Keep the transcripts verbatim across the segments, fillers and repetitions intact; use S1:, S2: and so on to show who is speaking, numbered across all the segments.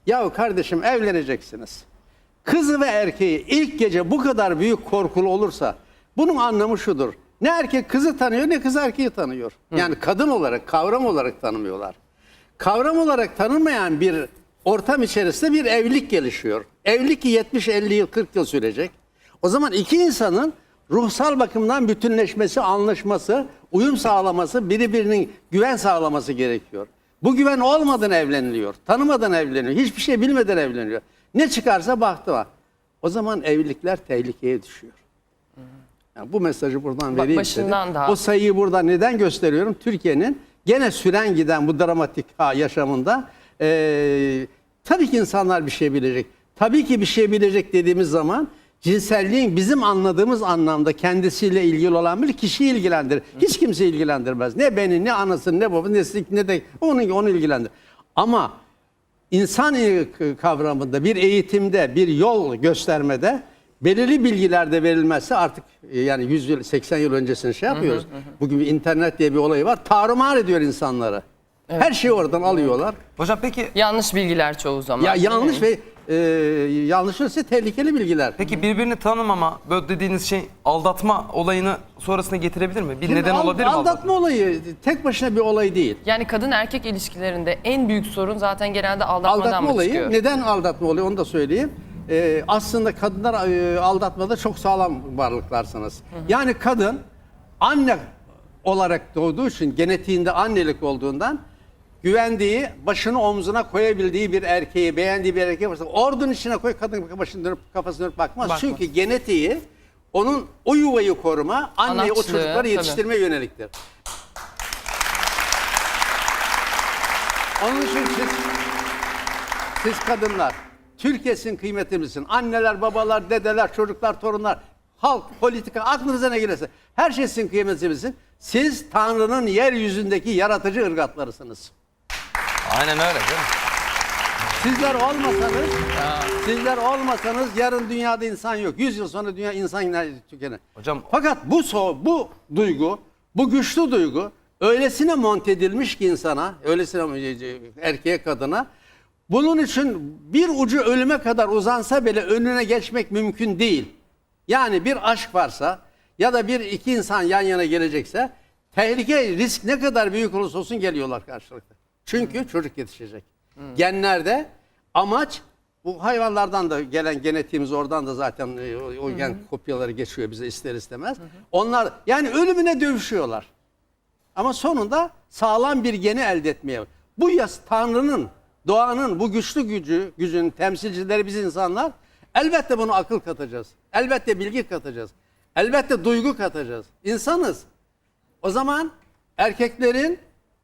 S1: Yahu kardeşim evleneceksiniz. Kızı ve erkeği ilk gece bu kadar büyük korkulu olursa bunun anlamı şudur. Ne erkek kızı tanıyor ne kız erkeği tanıyor. Yani kadın olarak, kavram olarak tanımıyorlar. Kavram olarak tanınmayan bir ortam içerisinde bir evlilik gelişiyor. Evlilik yetmiş elli yıl, kırk yıl sürecek. O zaman iki insanın ruhsal bakımdan bütünleşmesi, anlaşması, uyum sağlaması, birbirinin güven sağlaması gerekiyor. Bu güven olmadan evleniliyor, tanımadan evleniyor, hiçbir şey bilmeden evleniyor. Ne çıkarsa baktıma. O zaman evlilikler tehlikeye düşüyor. Yani bu mesajı buradan
S2: Bak,
S1: vereyim
S2: başından
S1: dedim.
S2: daha.
S1: O sayıyı burada neden gösteriyorum? Türkiye'nin gene süren giden bu dramatik yaşamında e, tabii ki insanlar bir şey bilecek. Tabii ki bir şey bilecek dediğimiz zaman cinselliğin bizim anladığımız anlamda kendisiyle ilgili olan bir kişiyi ilgilendirir. Hiç kimse ilgilendirmez. Ne beni, ne anasını, ne babasını, ne, ne de onu, onu ilgilendirir. Ama insan kavramında, bir eğitimde, bir yol göstermede belirli bilgiler de verilmezse artık yani yüz yıl, seksen yıl öncesini şey yapıyoruz. Hı hı hı. Bugün bir internet diye bir olayı var. Tarumar ediyor insanları. Evet. Her şeyi oradan alıyorlar.
S3: Hocam peki...
S2: Yanlış bilgiler çoğu zaman.
S1: Ya yanlış ve e, yanlış ise tehlikeli bilgiler.
S3: Peki birbirini tanımama, böyle dediğiniz şey aldatma olayını sonrasına getirebilir mi? Bir
S1: Şimdi
S3: neden
S1: al,
S3: olabilir mi
S1: aldatma?
S3: aldatma?
S1: olayı tek başına bir olay değil.
S2: Yani kadın erkek ilişkilerinde en büyük sorun zaten genelde aldatmadan
S1: Aldatma
S2: mı
S1: olayı,
S2: çıkıyor?
S1: neden aldatma oluyor onu da söyleyeyim. Ee, aslında kadınlar e, aldatmada çok sağlam varlıklarsınız. Hı hı. Yani kadın anne olarak doğduğu için, genetiğinde annelik olduğundan güvendiği, başını omzuna koyabildiği bir erkeği, beğendiği bir erkeği varsa ordunun içine koy, kadın başını dönüp kafasını dönüp bakmaz.
S2: Bakmaz.
S1: Çünkü genetiği onun o yuvayı koruma, anneyi o
S2: Anaçlığı,
S1: çocukları yetiştirmeye
S2: tabii.
S1: yöneliktir. Onun için siz, siz kadınlar, Türkiye'sin kıymetimizin, anneler, babalar, dedeler, çocuklar, torunlar, halk, politika, aklınıza ne gelirse her şey sizin kıymetimizin. Siz Tanrı'nın yeryüzündeki yaratıcı ırgatlarısınız.
S3: Aynen öyle değil mi?
S1: Sizler olmasanız, sizler olmasanız yarın dünyada insan yok. Yüz yıl sonra dünya insan yine tükenir.
S3: Hocam,
S1: fakat bu so, bu duygu, bu güçlü duygu öylesine monte edilmiş ki insana, öylesine erkeğe, kadına, bunun için bir ucu ölüme kadar uzansa bile önüne geçmek mümkün değil. Yani bir aşk varsa ya da bir iki insan yan yana gelecekse tehlike, risk ne kadar büyük olursa olsun geliyorlar karşılıklı. Çünkü hmm. çocuk yetişecek. Hmm. Genlerde amaç, bu hayvanlardan da gelen genetiğimiz oradan da zaten o, o gen hmm. kopyaları geçiyor bize ister istemez. Hmm. Onlar yani ölümüne dövüşüyorlar. Ama sonunda sağlam bir geni elde etmeye. Bu yas Tanrı'nın, doğanın bu güçlü gücü, gücün temsilcileri biz insanlar. Elbette bunu akıl katacağız. Elbette bilgi katacağız. Elbette duygu katacağız. İnsanız. O zaman erkeklerin,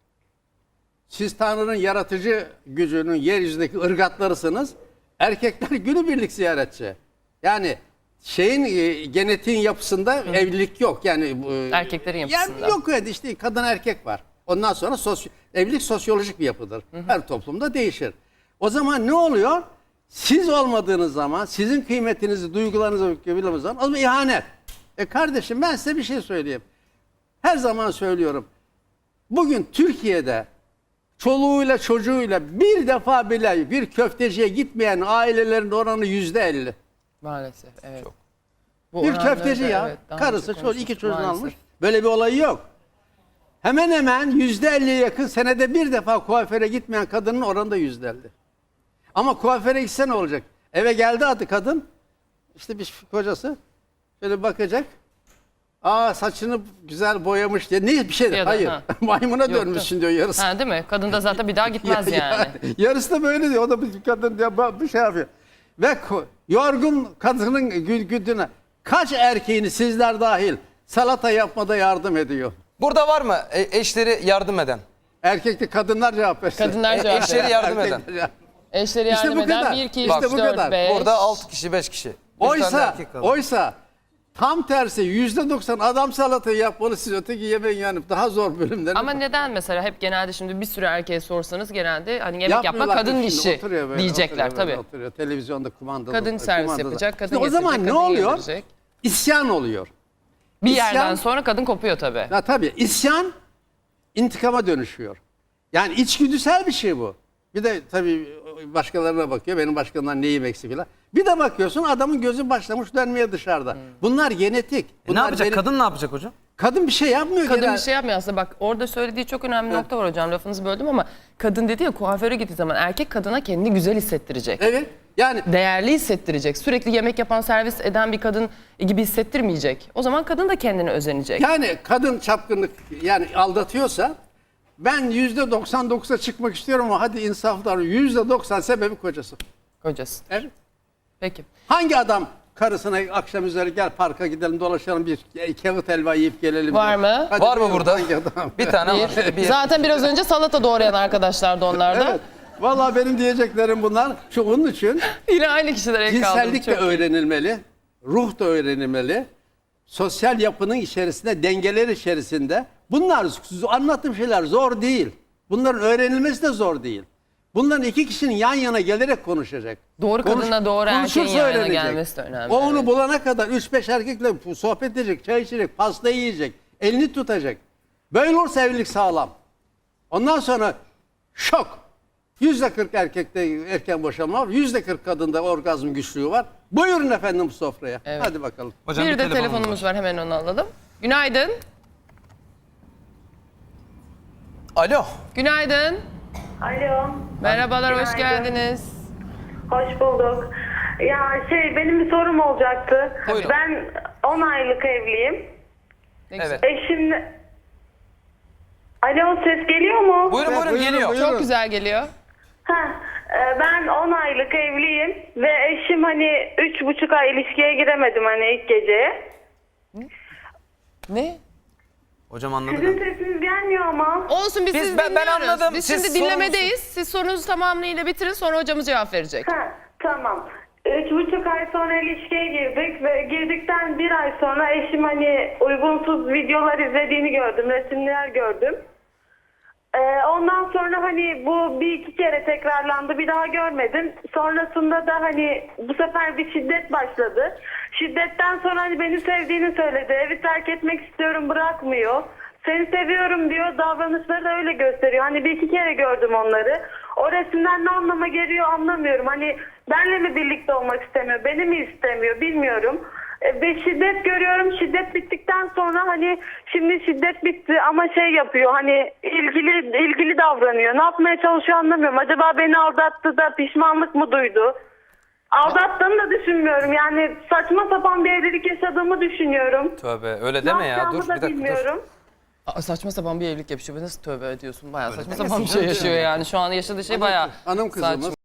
S1: siz Tanrı'nın yaratıcı gücünün yeryüzündeki ırgatlarısınız. Erkekler günübirlik ziyaretçi. Yani şeyin genetiğin yapısında Hı. evlilik yok. Yani
S2: erkeklerin yapısında.
S1: Yani yok evet işte kadın erkek var. Ondan sonra sosyo, evlilik sosyolojik bir yapıdır. Hı hı. Her toplumda değişir. O zaman ne oluyor? Siz olmadığınız zaman, sizin kıymetinizi, duygularınızı bildiğiniz zaman o zaman ihanet. E kardeşim ben size bir şey söyleyeyim. Her zaman söylüyorum. Bugün Türkiye'de çoluğuyla çocuğuyla bir defa bile bir köfteciye gitmeyen ailelerin oranı yüzde elli.
S2: Maalesef evet. Çok.
S1: Bu bir köfteci ya. Evet, karısı çocuğu iki çocuğunu
S2: maalesef.
S1: almış. Böyle bir olayı yok. Hemen hemen yüzde elliye yakın senede bir defa kuaföre gitmeyen kadının oranı da yüzde elli. Ama kuaföre gitse ne olacak? Eve geldi adı kadın. İşte bir kocası şöyle bakacak. Aa saçını güzel boyamış diye. Ne bir şey de hayır. Ha. Maymuna Yok, dönmüşsün diyor yarısı.
S2: Ha, değil mi? Kadın da zaten bir daha gitmez ya, yani.
S1: yani. Yarısı da böyle diyor. O da bir kadın diye bir şey yapıyor. Ve yorgun kadının güdüne kaç erkeğini sizler dahil salata yapmada yardım ediyor?
S3: Burada var mı eşleri yardım eden?
S1: Erkekte kadınlar cevap versin.
S2: Kadınlar cevap versin.
S3: Eşleri yardım eden.
S2: Eşleri yardım
S1: işte
S2: eden bir, iki, üç,
S1: işte
S2: dört, beş.
S3: Burada altı kişi, beş kişi.
S1: Oysa, oysa tam tersi yüzde doksan adam salatayı yapmalı, siz öteki yemeğin yani daha zor bölümler.
S2: Ama neden mesela hep genelde şimdi bir sürü erkeğe sorsanız genelde hani yemek yapma kadın işi böyle, diyecekler tabii.
S1: Oturuyor, televizyonda kumandalı.
S2: Kadın servis
S1: kumandalı.
S2: yapacak, kadın
S1: işte o zaman ne oluyor? Getirecek. İsyan oluyor.
S2: Bir
S1: İsyan,
S2: yerden sonra kadın kopuyor tabii.
S1: Ya tabii isyan intikama dönüşüyor. Yani içgüdüsel bir şey bu. Bir de tabii başkalarına bakıyor. Benim başkanından neyim eksik filan. Bir de bakıyorsun adamın gözü başlamış dönmeye dışarıda. Bunlar genetik.
S3: E
S1: Bunlar
S3: ne yapacak?
S1: benim-
S3: Kadın ne yapacak hocam?
S1: Kadın bir şey yapmıyor.
S2: Kadın
S1: genel-
S2: bir şey yapmıyor aslında. Bak orada söylediği çok önemli bir nokta var hocam. Lafınızı böldüm ama kadın dedi ya kuaföre gittiği zaman erkek kadına kendini güzel hissettirecek.
S1: Evet. Yani
S2: Değerli hissettirecek. Sürekli yemek yapan, servis eden bir kadın gibi hissettirmeyecek. O zaman kadın da kendine özenecek.
S1: yani kadın çapkınlık yani aldatıyorsa ben yüzde doksan dokuza çıkmak istiyorum ama hadi insaflar yüzde doksan sebebi kocası.
S2: Kocası.
S1: Evet.
S2: Peki.
S1: Hangi adam karısına akşam üzeri gel parka gidelim dolaşalım bir kağıt helva yiyip gelelim.
S2: Var
S1: diyor.
S2: mı?
S1: Hadi
S3: Var mı
S1: buyurun,
S3: burada?
S1: hangi adam?
S3: Bir tane var.
S2: Bir.
S3: Bir.
S2: Zaten biraz önce salata doğrayan arkadaşlar da onlarda.
S1: Evet. Vallahi benim diyeceklerim bunlar. Şu onun için
S2: Yine aynı kişiler el kaldı.
S1: cinsellik de öğrenilmeli. Ruh da öğrenilmeli. Sosyal yapının içerisinde, dengeler içerisinde. Bunlar anlattığım şeyler zor değil. Bunların öğrenilmesi de zor değil. Bunların iki kişinin yan yana gelerek konuşacak.
S2: Doğru kadınla doğru erkeğin
S1: konuşursa
S2: yan yana
S1: öğrenecek.
S2: gelmesi de önemli,
S1: O onu
S2: evet.
S1: bulana kadar üç beş erkekle sohbet edecek, çay içecek, pasta yiyecek, elini tutacak. Böyle olursa evlilik sağlam. Ondan sonra şok. Yüzde kırk erkekte erken boşanma var. Yüzde kırk kadında orgazm güçlüğü var. Buyurun efendim bu sofraya.
S2: Evet.
S1: Hadi bakalım.
S3: Hocam
S2: Bir de
S3: telefonumuz
S2: telefonumuz
S3: var.
S2: var. Hemen onu alalım. Günaydın.
S3: Alo.
S2: Günaydın.
S4: Alo.
S2: Merhabalar, hoş
S4: Günaydın.
S2: geldiniz.
S4: Hoş bulduk. Ya şey benim bir sorum olacaktı.
S3: Buyurun.
S4: Ben on aylık evliyim.
S2: Ne güzel.
S3: Evet.
S4: Eşim... Alo ses geliyor mu?
S3: Buyurun buyurun
S1: Buyurun,
S3: geliyor.
S1: buyurun.
S2: Çok güzel geliyor.
S4: Heh, e, ben on aylık evliyim ve eşim hani üç buçuk ay ilişkiye giremedim hani ilk geceye.
S2: Ne?
S3: Hocam anladık.
S4: Sizin sesiniz gelmiyor ama.
S2: Olsun biz,
S3: Biz-
S2: sizi
S3: ben- ben
S2: dinliyoruz.
S3: anladım.
S2: Biz
S3: Siz
S2: şimdi dinlemedeyiz. Siz sorunuzu tamamıyla bitirin sonra hocamız cevap verecek.
S4: Ha, tamam. Üç buçuk ay sonra ilişkiye girdik ve girdikten bir ay sonra eşim hani uygunsuz videolar izlediğini gördüm, resimler gördüm. Ee, ondan sonra hani bu bir iki kere tekrarlandı, bir daha görmedim. Sonrasında da hani bu sefer bir şiddet başladı. Şiddetten sonra hani beni sevdiğini söyledi, evi terk etmek istiyorum bırakmıyor. Seni seviyorum diyor, davranışları da öyle gösteriyor. Hani bir iki kere gördüm onları. O resimden ne anlama geliyor anlamıyorum. Hani benle mi birlikte olmak istemiyor, beni mi istemiyor bilmiyorum. E, Ve şiddet görüyorum. Şiddet bittikten sonra hani şimdi şiddet bitti ama şey yapıyor. Hani ilgili ilgili davranıyor. Ne yapmaya çalışıyor anlamıyorum. Acaba beni aldattı da pişmanlık mı duydu? Aldattığını da düşünmüyorum. Yani saçma sapan bir evlilik yaşadığımı düşünüyorum.
S3: Tövbe öyle
S4: Ne
S3: deme ya.
S4: yapacağımı
S3: Dur bir
S4: da
S3: dakika dur.
S4: bilmiyorum.
S2: Aa, saçma sapan bir evlilik yapıyor. Nasıl tövbe ediyorsun? Bayağı saçma
S3: demesin
S2: sapan bir şey
S3: canım.
S2: yaşıyor yani. Şu an yaşadığı şey bayağı
S1: Hanım kızımız
S2: saçma.